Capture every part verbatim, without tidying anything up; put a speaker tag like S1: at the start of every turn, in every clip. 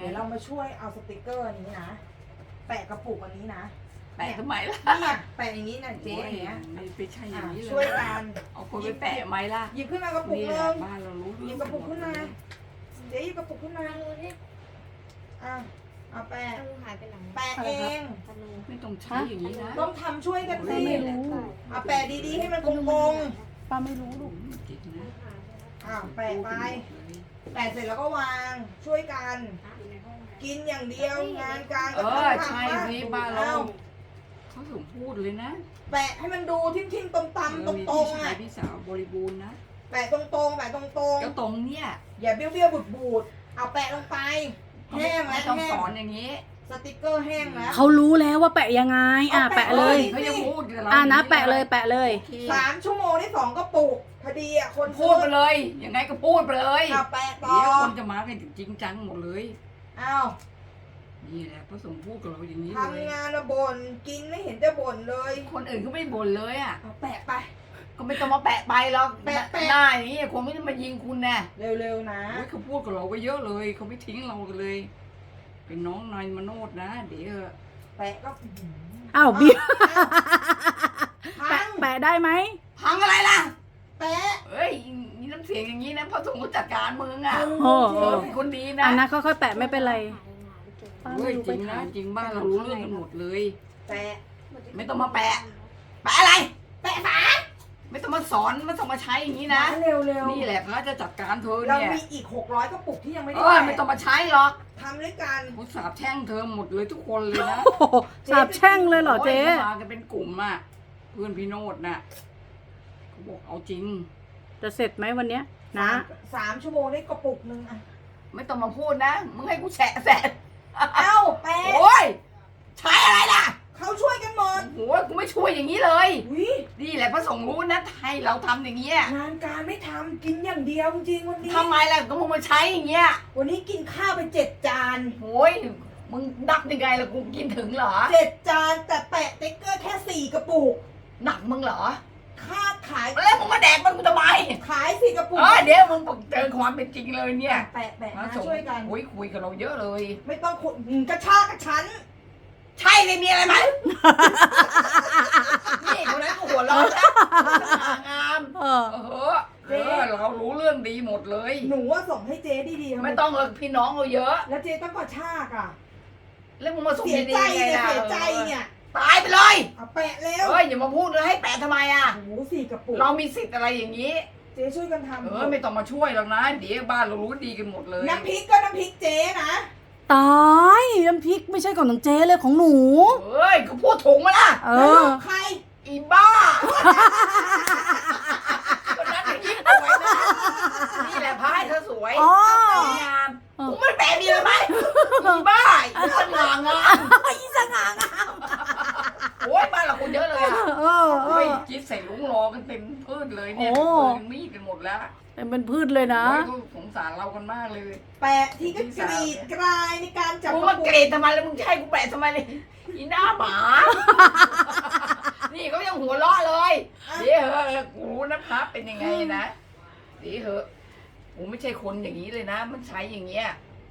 S1: ดี๋ยวเรามาช่วยเอาสติกเกอร์อันนี้นะแปะกระปุกอันนี้นะ
S2: แปะทำไมล่ะ
S1: เนี่ยแปะอย่างนี้นะเจ๊อย่างเงี้ย
S2: ไม่ไปใช่อย่างนี้เลย
S1: ช่วยกัน
S2: เอาคนไปแปะไหมล่ะ
S1: หยิบขึ้นมากระปุก
S2: นี่
S1: นึ
S2: แหละ
S1: ง
S2: บ้านเรารู้
S1: หยิบกระปุกขึ้นมาเจ๊หยิบกระปุกขึ้นมาอ่ะเอาแปะ
S3: ธนูหายไปหลัง
S1: แปะเอง
S3: ธนู
S2: ไม่ต้องใช้อย่างนี้นะ
S1: ต้องทำช่วยกันสิ
S4: ไม่รู้
S1: เอาแปะดีๆให้มันกง
S4: ป้าไม่รู้ลูก
S2: จริงนะ
S1: ๆอ่ะแปะไปแปะเสร็จแล้วก็วางช่วยกัน กินอย่างเดียวงานการ
S2: เอ
S1: ก็
S2: อ
S1: ทำ
S2: ใช่
S1: ทำ
S2: นี่บ้านเราเขาถึงพูดเลยนะ
S1: แปะให้มันดูทิ่มๆตำๆต
S2: เออมี
S1: ร
S2: พี่
S1: งๆ
S2: ชา
S1: อ่ะ
S2: ยพี่สาวบริบูรณ์นะ
S1: แปะตรงๆแปะตรง
S2: ก็ตรงเนี่ย
S1: ๆอย่าเบี้ยวๆบูดๆเอาแปะลงไปแห้ง
S2: ไม่
S1: แล้ว
S2: ต้อง
S1: แห้
S2: ส
S1: ง
S2: อนอย่างนี้
S1: สติกเกอร์แห้งแล้ว
S4: เขารู้แล้วว่าแปะยังไง อ่ะ
S1: เอา
S4: แปะ
S1: แปะ
S4: เลย
S2: เขายังพูดกับเรา
S4: อ่ะนะแปะเลยแปะเลย
S2: โอเค
S1: สามชั่วโมงได้สองกระปุกพอดีอ่ะคน
S2: พูดไปเลยยังไงก็พูดไปเลย
S1: เอาแปะต่อ
S2: เดี๋ยวคนจะมากันจริงจังหมดเลย
S1: อ้าว
S2: นี่แหละพระสงฆ์พูดกับเราอย่างนี้เลย
S1: ทำงานอะบ่นกินไม่เห็นจะบ่นเลย
S2: คนอื่นก็ไม่บ่นเลยอ่ะ
S1: เอาแปะไป
S2: ก็ไม่ต้องมาแปะไปหรอก
S1: แปะแปะ
S2: หน้าอย่างนี้คงไม่ได้มายิงคุณแน่
S1: เร็วๆนะ
S2: โอ้ยเขาพูดกับเราก็เยอะเลยเขาไม่ทิ้งเรากันเลย เป็นน้องนายมโนดนะ เดี๋ยว
S1: แปะก็
S4: อ้าวบิ๊ก
S1: พั
S4: แปะ
S1: ง
S4: แปะได้ไหม
S2: พังอะไรล่ะ
S1: แปะ
S2: เอ้ยมีน้ำเสียงอย่างนี้นะพระสงฆ์ก็จัดการมึงอ่ะ
S4: โอ้
S2: เออเป็นคนดีนะ
S4: อ่ะนะค่อยๆแปะไม่เป็นไรป้า
S2: เฮ้
S4: ไม่
S2: ย
S4: รู้
S2: จ
S4: ไป
S2: ริงนะ
S4: ถาม
S2: จริงบ้านเรารู้เรื่องกันหมดเลย
S1: แปะ
S2: ไม่ต้องมาแปะ แปะอะไร แปะฝาไม่ต้องมาสอนไม่ต้องมาใช้อย่างนี้นะ
S1: เร็วๆ
S2: นี่แหละพระจะจัดการเธอ
S1: เรา
S2: เนี่ย
S1: มีอีกหกร้อยกระปุกที่ยังไม่
S2: เอ
S1: ได้
S2: อ
S1: แปะ
S2: ไม่ต้องมาใช้หรอก
S1: ทำด้วยกัน
S2: เขาสาบแช่งเธอหมดเลยทุกคนเลยนะ
S4: โอ้โหสาบแช่งเลยเหรอเจ๊
S2: โยขามากันเป็นกลุ่มอ่ะเพื่อนพี่โนดน่ะเขาบอกเอาจริง
S4: จะเสร็จไหมวันเนี้ยนะ
S1: สามชั่วโมงได้กระปุกหนึ่งอะ
S2: ไม่ต้องมาพูดนะมึงให้กูแฉะแสะ
S1: เอ้าแปะ
S2: โอ้ยใช้อะไรล่ะ
S1: เขาช่วยกันหมด
S2: โอ้ยกูไม่ช่วยอย่างนี้เลย
S1: วิ
S2: นี่แหละพระสงฆ์รู้นะให้เราทำอย่างเงี้ย
S1: งานการไม่ทำกินอย่างเดียวจริงๆวันนี้
S2: ทำไมล่ะก็มึงมาใช้อย่างเงี้ย
S1: วันนี้กินข้าวไปเจ็ดจาน
S2: โอ้ยมึงนับยังไงล่ะกูกินถึงเหรอ
S1: เจ็ดจานแต่แปะติ๊กเกอร์แค่สี่กระปุก
S2: หนักมึงเหรอ
S1: ค่าขาย
S2: แล้วมึงมาแดกมันกูทำไม
S1: ขายสี่กระปุก
S2: เออเดี๋ยวมึงเจอความเป็นจริงเลยเนี่ย
S1: แปะแปะ
S2: พระ
S1: นะ
S2: สงฆ์
S1: ช่วยกัน
S2: โอ้ยคุยกับเราเยอะเลย
S1: ไม่ต้องขุดหืมกระชากกระชั้น
S2: ใช่เลยมีอะไรไหม นี่คนนั้นก็หัวเราะนะสง่างาม
S4: เออ
S2: เออเออเรารู้เรื่องดีหมดเลย
S1: หนูว่าส่งให้เจ๊ดีๆทำ
S2: ไม่ต้องเลยพี่น้องเราเยอะ
S1: แล้วเจ๊ต้องกระชากอ่ะ
S2: แล้วมึงมาส่ง
S1: เสีย
S2: ดี
S1: ใจ
S2: ๆไง
S1: เนี่ย
S2: ล่ะ
S1: เสียใจเนี่ย
S2: ตายไปเลย
S1: เอาแปะเร็ว
S2: เฮ้ยอย่ามาพูดเลยให้แปะทำไมอ่ะ
S1: โอ้โหสี่กระปุก
S2: เรามีสิทธิ์อะไรอย่างนี้
S1: เจ๊ช่วยกันทำ
S2: เออไม่ต้องมาช่วยหรอกนะ เดี๋ยวบ้านเรารู้ดีกันหมดเลย
S1: น้ำพริกก็น้ำพริกเจ๊นะ
S4: ตายน้ำพริกไม่ใช่ของน้องเจ๊เลยของหนู
S2: เฮ้ยเขาพูดถูกมาล่ะ
S4: เอ
S1: แล้ว
S4: อ
S1: ลูกใคร
S2: อีบ้าคนนั้นอย่างนี้สวยนะนี่แหละพายเธอสวย
S4: อ๋อ
S2: สวยงามกูไม่แปะดีเลยไหมอีบ้าอีสง่างาม
S4: อีสง่างาม
S2: โอ้ยบ้านเราคนเยอะเลยอ่ะ
S4: เออเอ
S2: โอ้ย
S4: อ
S2: จิ๊ดใส่ลุงรอกันเต็มพืชเลยเนี่ย
S4: โอ้
S2: ปืนมีดกันหมดแล้ว
S4: แต่เป็นพืชเลยนะ
S2: โอ้ยก็สงสารเรากันมากเลย
S1: แปะที่ก็กรีดกรายในการจับ
S2: มึง
S1: ก
S2: มา
S1: ระปุ
S2: เก
S1: ก
S2: รดทำไมแล้วมึงจะให้กูแปะทำไมเลยอีหน้าหมา นี่เขายังหัวเราะเลยเดี๋ยวเหอะกูรู้นะครับเป็นยังไงนะเดี๋ยวเหอะกูไม่ใช่คนอย่างนี้เลยนะ มันใช้อย่างเงี้ย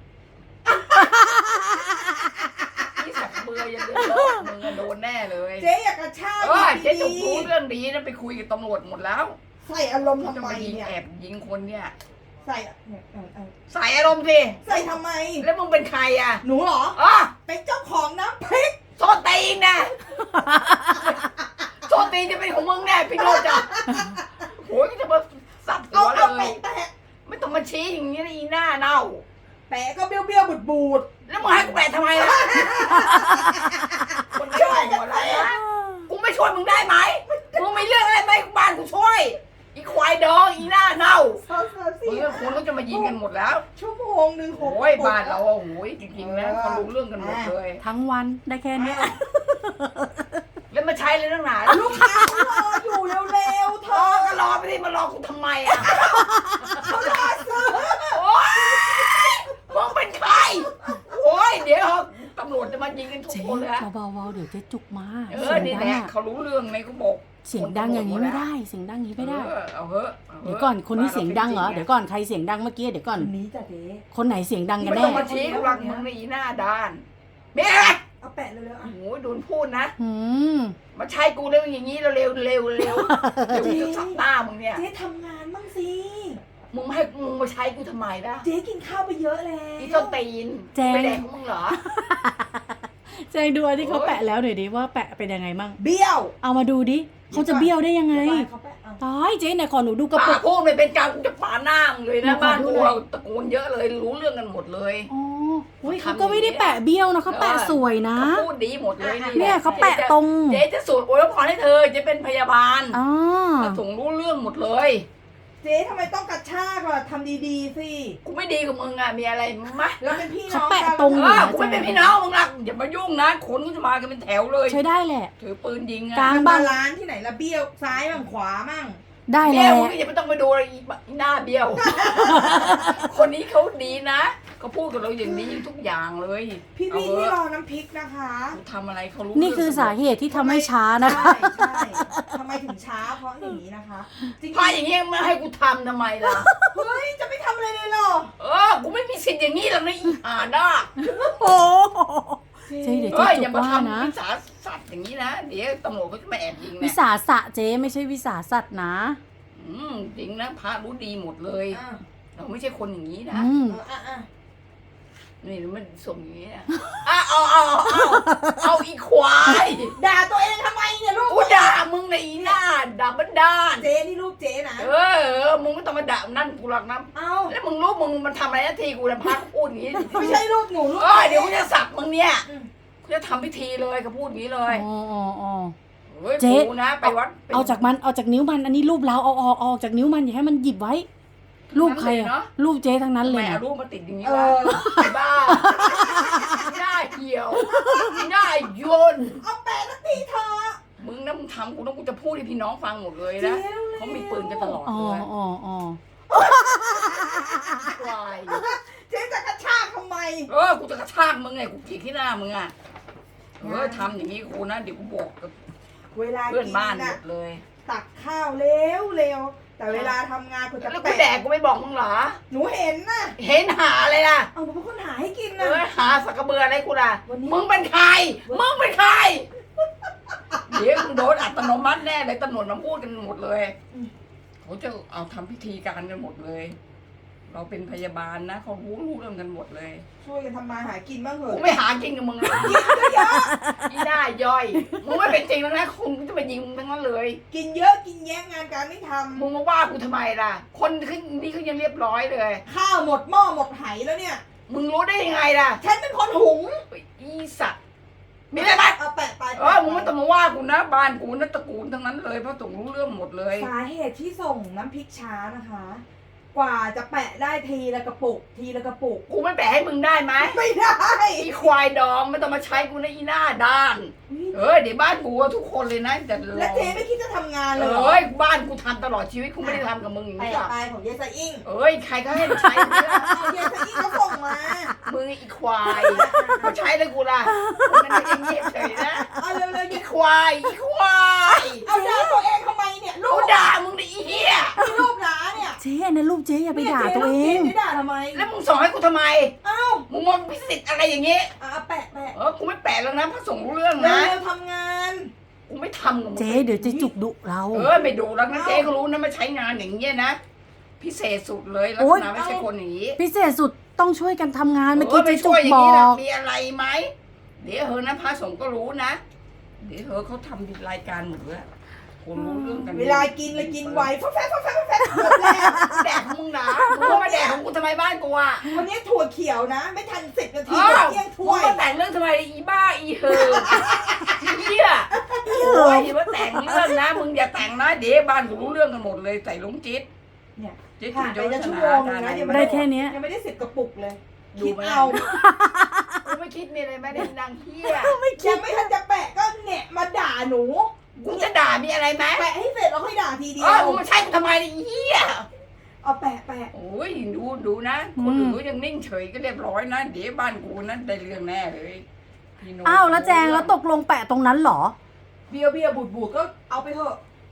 S2: นี่สักเบื่อยังเดือดมึงอะโดนแน่เลย
S1: เจ๊อยากกระชาก
S2: เออเจ๊จุก
S1: ดี
S2: รู้เรื่องดีนะไปคุยกับตำรวจหมดแล้ว
S1: ๆใส่อารมณ์
S2: จะ
S1: ทำไม
S2: มายิง
S1: เนี่ย
S2: แอบยิงคนเนี่ย
S1: ใส่เนี่ยเออเออ
S2: ใส่อารมณ์สิ
S1: ใส่ทำไม
S2: แล้วมึงเป็นใครอ่ะ
S1: หนูเหรอ
S2: อ๋อ
S1: เป็นเจ้าของน้ำพริก
S2: โซตีนนะโซตีนจะเป็นของมึงแน่พี่โนจ้ะโอ้ยจะมาสับหั
S1: เอา
S2: วเล
S1: เอา
S2: ย
S1: แปะแปะ
S2: ไม่ต้องมาชี้อย่างนี้นะอีหน้าเน่า
S1: แปะก็เบี้ยวเบี้ยวบูดบูด
S2: แล้วมึงให้กูแปะทำไมล่ะคนไม่ช่วยหัวเราะนะกูไม่ช่วยมึงได้ไหมมึงไม่เรื่องอะไรไหมบ้านกูช่วยอีควายดองอีหน้าเน่า
S1: ๆสามสามสี่
S2: มึงกับคนก็จะมายิงกันหมดแล้ว
S1: ชั่วโมงหนึ่งหก
S2: โอ้ยบ้านเราอะโอ้ยจริงๆนะเขารู้เรื่องกันหมดเลย
S4: ทั้งวันได้แค่เนี้ย
S2: แล้วมาใช้เลยตั้งนาน
S1: ลูกค้าเขารออยู่เร็วๆเธ
S2: รอ
S1: อ
S2: ก็รอไปดิมารอกูทำไมอ่ะ
S1: เขารอซื้อ
S2: โอ้ยมึงเป็นใครโอ้ยเดี๋ยวตำรวจจะมายิงกันทุก
S4: เจ๊
S2: คนเลยอะ
S4: เบาๆเดี๋ยวเจ๊จุกมา
S2: เออนี่แหละเขารู้เรื่องไหมเขาบอก
S4: เเสียงดังอย่างนี้ไม่ได้เสียงดังอย่างนี้ไม่ได้
S2: เออเอาเถอะาถะ
S4: เดี๋ยวก่อนคนนี้เสียงดังเหรอเดี๋ยวก่อนใครเสียงดังเมื่อกี้เดี๋ยวก่อน
S1: คนนี้จ้ะเจ๊
S4: คนไหนเสียงดังกัน
S2: ไม่
S4: แน่
S2: ต้องมาชี้กูหลักมึงในอีหน้าด้านเมียอะไร
S1: เอาแปะเร็วๆ
S2: โอ้
S1: อ่ะ
S2: โหโดนพูดนะ
S4: อืม
S2: มาใช้กูเร็วอย่างนี้เร็วเร็วเร็วเร็วเดี๋ยวกูจะสับหน้ามึงเนี่ย
S1: เจ๊ทำงานบ้างสิ
S2: มึงไม่ให้มึงมาใช้กูทำไมล่ะ
S1: เจ๊กินข้าวไปเยอะแล้ว
S2: อีต้นตีนไปแดกของมึงเหรอ
S4: แจงดูอันที่เขาแปะแล้วหน่อยดิว่าแปะเป็นยังไงมั่ง
S1: เบี้ยว
S4: เอามาดูดิเขาจะเบี้ยวได้ยังไง
S1: เดี๋ยวก่อนเขาแปะเอา
S4: ตายเจ๊ไหนขอหนูดูกระ
S2: ปา
S4: ปุ
S2: ก
S4: ก
S2: พูดไม่เป็นการกูจะปาหน้ามึงเลยนะ
S4: ขอ
S2: บ้าน
S4: ดู
S2: กู
S4: หน่อย
S2: ตระกูลเยอะเลยรู้เรื่องกันหมดเลย
S4: อ๋อเฮ้ย
S2: เขา
S4: เขา
S2: ทำ
S4: ก็ไม่ได้
S2: อย่างนี้
S4: แปะเบี้ยวนะเขาแปะ
S2: เออ
S4: สวยนะ
S2: เขาพูดดีหมดเลยนี่
S4: เนี่ยเขาแปะตรง
S2: เจ๊จะสูตรอวยพรให้เธอจะเป็นพยาบาล
S4: อ๋อ
S2: ส่งรู้เรื่องหมดเลย
S1: เจ๊ทำไมต้องกระชากล่ะทำดีๆสิ
S2: กูไม่ดีกับมึงอ่ะมีอะไรไหม
S1: เราเป็นพี่น้
S4: เขา
S1: อง
S4: แปะ
S1: กัน
S4: ตรง
S2: เอ
S4: อยู่
S2: อ
S4: นะ
S2: กูไม่เป็นพี่น้องมึงหรอกอย่ามายุ่งนะคนก็จะมากันเป็นแถวเลย
S4: ใช้ได้แหละ
S2: ถือปืนยิง
S4: กลา
S2: อ่ะ
S4: ง
S1: มันบาลานซ์ที่ไหนละเบี้ยวซ้ายมั่งขวามั่ง
S4: ได้
S2: เบี้
S4: แล้
S2: ยว วมึงอย่าไม่ต้องไปดูอะไรอีหน้าเบี้ยว คนนี้เขาดีนะเขาพูดกับเราอย่างนี้ทุกอย่างเลย
S1: พี่
S2: เอา
S1: พี่
S2: เถ
S1: ที่
S2: อะ
S1: รอน้ำพริกนะคะ
S2: กูทำอะไรเขารู้
S4: นี่คือสาเหตุที่ทำให้ช้านะ
S1: ใช่ใช่ทำไมถึงช้าเพราะอย่างนี้นะคะ จริง
S2: พาอย่างนี้ไม่ให้กูทำทำไมล่ะ
S1: ๆเฮ้ยจะไม่ทำอะไรเลยเหรอ
S2: เออกูไม่มีสิทธิ์อย่างนี้หรอกนะอีห่าด้า
S4: โอ้เจ๊เดี๋ยว
S2: เฮ้
S4: เจ๊
S2: ย
S4: จุ
S2: อย่าก มา
S4: ว่านะ
S2: ทำวิสาสัตว์อย่างนี้นะเดี๋ยวตำรวจเขาจะมาแอบยิง
S4: วิ
S2: นะ
S4: สาสะเจ๊ไม่ใช่วิสาสัตว์นะ
S2: อืมจริงนะพระรู้ดีหมดเลย
S1: อ่ะ
S2: เราไม่ใช่คนอย่างนี้นะ
S4: อืม
S1: เอออ่ะอ่ะ
S2: นี่มันส่งอย่างนี้นะอ่ะเอาเอาเอาเอาอีควาย
S1: ด่าตัวเองทำไมเนี่ยลูก
S2: กูด่ามึงในอีหน้าด่าบันดาล
S1: เจ๊นี่ลูกเจ๊นะ
S2: เออเออมึงไม่ต้องมาด่านั่นกูหรอกนะ
S1: เอ้า
S2: แล้วมึงรู้มึงมันทำอะไรนาทีกูนะพักพูดอย่างนี้
S1: ไม่ใช่ลูกหนูลูก
S2: เออเดี๋ยวกูจะสับมึงเนี่ย
S1: อืม
S2: กูจะทำพิธีเลยก็พูดอย่างนี้เลย
S4: อ๋ออ๋ออ๋อ
S2: เฮ้ย
S4: เจ๊
S2: กูนะไปวัดไป
S4: เอาจากมันเอาจากนิ้วมันอันนี้รูปเราเอาออกเอาออกจากนิ้วมันอย่าให้มันหยิบไว้ รูปใคร
S2: ทั้งนั้นเลยเน
S4: อะ
S2: อะ
S4: รูปเจ๊ทั้งนั้นเลย
S2: แม่
S4: นะ
S2: เอารูปมาติดอย่างนี้
S1: เอ
S2: วะ
S1: อ
S2: ไอ้บ้าหน้าเหี่ยวหน้าโยน
S1: เอาแปะสักทีเถอะ
S2: มึงนะมึงทำกูต้องกูจะพูดให้พี่น้องฟังหมดเลย
S1: เจ๊
S2: นะ
S1: เร็วๆ
S2: เขามีปืนกันตลอด
S4: อ๋อ
S2: เลย
S4: อ๋ออ๋อ
S2: ควาย
S1: เจ๊จะกระชากทำไม
S2: เออกูจะกระชากมึงไงกูจีกที่หน้ามึงอ่ะเออทำอย่างนี้กูนะเดี๋ยวกูบอกกับ
S1: เวลา
S2: เพื่อน
S1: กิน
S2: บ้านหม
S1: น่ะ
S2: ดเลย
S1: ตักข้าวเร็วเร็วแต่เวลาทำงานคุณจะ
S2: แล้วกูแดกกูไม่บอกมึงเหรอ
S1: หนูเห็นน่ะ
S2: เห็นหาอะไรล่ะ
S1: เอาหนูเป็นคนหาให้กิน
S2: เอ
S1: นะ
S2: อหาสักกระเบืออะไรกูล่ะ
S1: วันนี้
S2: มึงเป็นใครมึงเป็นใครเดี๋ยวมึงโดนอัตโนมัติแน่เลยตำรวจมาพูดกันหมดเลยเขาจะเอาทำพิธีการกันหมดเลย เราเป็นพยาบาลนะเขารู้รู้เรื่องกันหมดเลย
S1: ช่วยกันทำมาหากินบ้างเถ
S2: กู
S1: อะ
S2: ไม่หากินกับมึงหรอก
S1: เยอะ
S2: อีหน้าย่อยมึงไม่เป็นจริงแล้วนะคงจะไปยิงมึงทั้งนั้นเลย
S1: กินเยอะกินแย่งงานการไม่ท
S2: มึงมาว่ากูทำไมล่ะ คนขึ้นนี่เขายังเรียบร้อยเลย
S1: ำข้าวหมดหม้อหมดไหแล้วเนี่ย
S2: มึงรู้ได้ยังไงล่ะ
S1: ฉันเป็นคนหุง
S2: อีสัตว์มีอะไรไหม
S1: เอาแปะไป
S2: เออมึงไม่ต้องมาว่ากูนะบ้านกูนะตระกูลทั้งนั้นเลยเพราะต้องรู้เรื่องหมดเลย
S1: สาเหตุที่ส่งน้ำพริกช้านะคะ กว่าจะแปะได้ทีละกระปุก ทีละกระปุก
S2: กูไม่แปะให้มึงได้ไหม
S1: ไม่ได้
S2: อีควายดองไม่ต้องมาใช้กูนะอีหน้าด้าน เออเดี๋ยวบ้านกูอะทุกคนเลยนะแต่รอ
S1: และเจ๊ไม่คิดจะทำงานเลยเหรอ
S2: เอ้ยบ้านกูทำตลอดชีวิตกูไม่ได้ทำกับมึงอย่าง
S1: แปะ
S2: นี้หรอก
S1: ไปของเยสอิง
S2: เอ้ยใครก็ให้มาใช้มึงล่ะ
S1: เอาเยสอิงเขาส่งมา
S2: มึงอีควายมาใช้เลยกูล่ะมึงไม่ได้เงียบเฉยนะ
S1: เอาเร็วๆ
S2: อี
S1: ยิง
S2: ควายอีควาย
S1: เอาด่าตัวเองทำไมเนี่ยลู
S2: กู
S1: ก
S2: ด่ามึงดิอีเหี้ย
S1: ที่ลูกหลาเนี่ย
S4: เจ๊อันนั้นรูปเจ๊อย่าไปด่าตัวเอง
S1: นี่ยจ๊ลูกเจ๊จะด่าทำไม
S2: แล้วมึงส่งให้กูทำไม
S1: เอ้า
S2: มึงมองพิสิทธิ์อะไรอย่างงี้
S1: อ่ะเอาแปะแปะ
S2: เออกูไม่แปะแล้วนะพระสงฆ์รู้เรื่อง
S1: เร็
S2: นะ
S1: วๆทำงาน
S2: กูไม่ทำกับมึง
S4: เจ๊เดี๋ยวเจะจุกดุเรา
S2: เออไม่ดูแล้วนะเจ๊ก็รู้นะมาใช้งานอย่างเงี้ยนะพิเศษสุดเลยลัก
S4: โอ๊
S2: ษ
S4: ย
S2: ณะไม่ใช่คนอย่างงี้
S4: พิเศษสุดต้องช่วยกันทำงานเมื่อ
S2: เอ
S4: กี้
S2: อไป
S4: เจ๊จุ
S2: ช่ว
S4: ก
S2: ยอย่า
S4: บ
S2: ง
S4: อ
S2: นี้นะ
S4: ก
S2: มีอะไรไหมเดี๋ยวเธอนะพระสงฆ์ก็รู้นะ เดี๋ยวเธอเขาทำรายการหมดเลยคนรู้เรื่องกัน
S1: เวลากินเลยกินไวฟ้าแฟฟ้าแฟฟ้าแฟหมดแล้ว
S2: แดกของมึงนะมึงก็มาแดกของกูทำไมบ้านกูอ่ะ
S1: วันนี้ถั่วเขียวนะ ไม่ทันสิบนาที
S2: เออ
S1: เที่ยง
S2: มึ
S1: ถ้
S2: ง
S1: วย
S2: มาแต่งเรื่องทำไมอีบ้าอีเฮออีเหี้ยโอ้ยอย่ามาแต่งเรื่องนะมึงอย่าแต่งนะเดี๋ยวบ้านกูรู้เรื่องกันหมดเลยใส่ลุงจิ๊ด
S1: เนี่ย
S2: จิ๊ด
S1: ผ่า
S2: คุ
S1: น
S2: ณ
S1: ไป
S2: จะ
S1: จะชั่ว
S2: ช
S1: โม
S2: นะ
S1: งนึงนะยังไม่
S4: ได้แค่เนี้ย
S1: ยังไม่ได้สิบกระปุกเลย
S2: ดู
S1: คิด
S2: ไหม
S1: เอา
S2: กูไม่คิดมีอะไรไหมได้นางเหี้ย
S1: ยังไม่ทันจะแปะก็เนี่ยมาด่าหนู
S2: กูจะด่ามีอะไรไหม
S1: แปะให้เสร็จแล้วค่อยด่าทีเดี
S2: เอ
S1: ยว
S2: อมึงมาใช้กูทำไมเนี่ยอีเหี้ย
S1: เอาแปะแปะ
S2: โอ้ยดูดูนะคนอื่นก็ยังนิ่งเฉยก็เรียบร้อยนะเดี๋ยวบ้านกูนั้นได้เรื่องแน่เลยพี่โน้ต
S4: อ้าวแล้วแจงแล้วตกลงแปะตรงนั้นเหรอ
S1: เบียวเบียวบูดบูดก็เอาไปเถอะ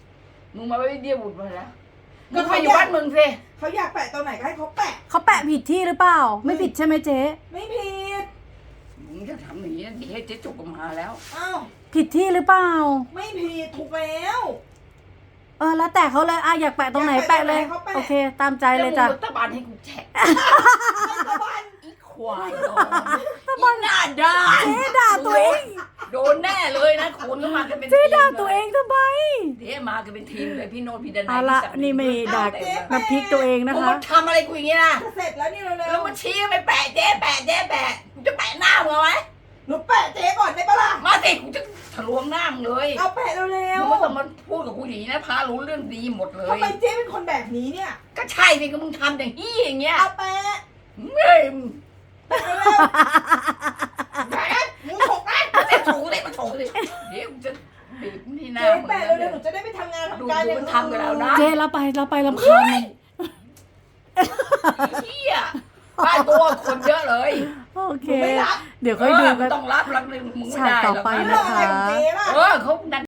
S2: มึงมาไว้เดียวบุญมาแล้วมึงไปอยู่บ้านมึงสิ
S1: เขาอยากแปะตรงไหนก็ให้เขาแปะ
S4: เขาแปะผิดที่หรือเปล่า ไม่ผิดใช่ไหมเจ๊
S1: ไม่ผิด
S2: มึงจะทำอย่างนี้ดีให้เจ๊จุกออกมาแล้ว
S1: อ้าว
S4: ผิดที่หรือเปล่า
S1: ไม่ผิดถูกแล้ว
S4: เออแล้วแต่เขาเลยอ่ะอยากแปะตรงไหน
S1: อยาก
S4: แปะ
S1: แปะ
S4: เลย
S1: ตรงไหนเขาแปะ
S4: โอเค ตามใจเลยจ้ะ
S2: แวมึงรัฐบาลให้กูแฉะ
S1: ตะบัน
S2: อีควายดองอีหน้าด้าน
S4: เจ๊ด่าตัวเอง
S2: โดนแน่เลยนะคุณก็มากันเป็น
S4: เจ๊
S2: ทีม
S4: ด่า
S2: เลย
S4: ตัวเองทำไม
S2: เดี๋ยวมากันเป็นทีมเลยพี่โนตพี่ดนัย
S4: เอาละ
S2: พี่ศักดิ์
S4: นี่ไม่ด่า
S2: เต็มเลย
S4: น้ำพริกตัวเองนะ
S2: มึง
S4: คะ
S2: มาทำอะไรกูอย่างนี้นะ
S1: จะเสร็จแล้วนี่เร็ว
S2: แล้วมาชี้ไปแปะเจ๊แปะเจ๊แปะกูจะแปะหน้ามึงเอาไหม
S1: ๆหนูแปะเจ๊ก่อนได้ปะล่ะ
S2: มาสิกูจะทะลวงหน้ามึงเลย
S1: เอาแปะเร็ว
S2: มึงไม่ต้องมาพูดกับกูอย่างนี้นะพารู้เรื่องดีหมดเล
S1: ๆ
S2: ย
S1: ทำไมเจ๊เป็นคนแบบนี้เนี่ย
S2: ก็ใช่สิก็มึงทำอย่างนี้อย่างเงี้ย
S1: เอาแปะ
S2: เฮ้ย
S1: แปะเร็ว
S2: แปะ
S1: ๆหนูฉกนะ
S2: เจ๊ถูเลยมาถูเลยเดี๋ยวกูจะบีบที่หน้า
S1: เจ๊
S2: มึง
S1: แปะ
S2: นะ
S1: เร็วๆหนูจะได้ไปทำงาน
S2: ดู
S1: ทำการ
S2: ดูมันทำกับเรานะ
S4: เจ๊เราไปเราไปลำคาญมัน
S2: เฮียบ้านตัวคนเยอะเลย
S4: โอเค
S1: หนูไม่รับ
S4: เดี๋ยวค่อยดู
S2: เออ
S4: กั
S2: มึ
S4: น
S2: งต้องรับรับเลยมึงไม่
S4: ฉาก
S2: ได้
S4: ต่อ
S2: หรอก
S4: ไป
S1: เรื่
S4: นะ
S1: องอะไรของเจ๊ล่ะ
S2: เออเขาดัน